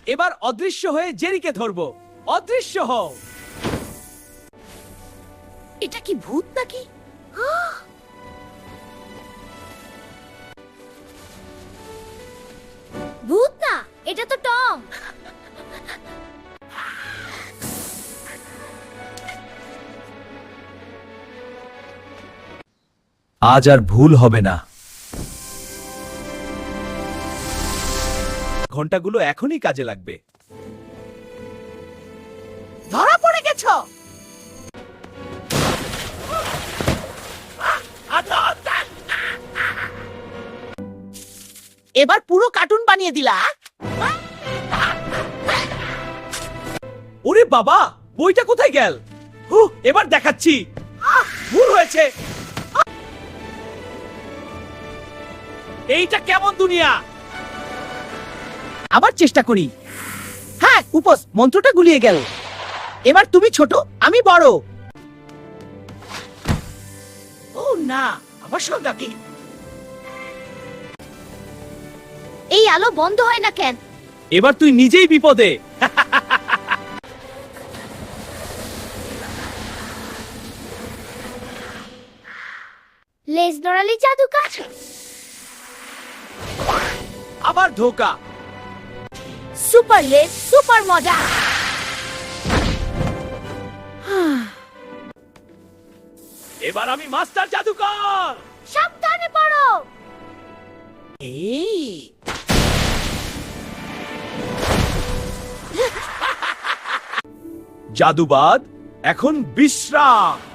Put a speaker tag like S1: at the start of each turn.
S1: এবার অদৃশ্য হয়ে জেরিকে ধরবো। অদৃশ্য হও।
S2: এটা কি ভূত নাকি? ভূত না, এটা তো টম।
S1: আজ আর ভুল হবে না। ঘন্টাগুলো এখনই কাজে লাগবে।
S2: ধরা পড়ে গেছো। এবার পুরো কার্টুন বানিয়ে দিলা।
S1: ওরে বাবা, বইটা কোথায় গেল? এবার দেখাচ্ছি। ভুল হয়েছে। এইটা কেমন দুনিয়া?
S2: আবার চেষ্টা করি। হ্যাঁ, উপস মন্ত্রটা গুলিয়ে গেল। এবার তুমি ছোট, আমি বড়। ও না, আমার সঙ্গে কি? এই আলো বন্ধ হয় না কেন?
S1: এবার তুই নিজেই বিপদে।
S2: লেজ নড়ালি জাদু কাজ।
S1: আবার ধোকা।
S2: সুপার লেজ, সুপার মজা।
S1: এবার আমি মাস্টার জাদুকর।
S2: সাবধানে পড়ো। এই
S1: জাদুবাদ এখন বিশ্রাম।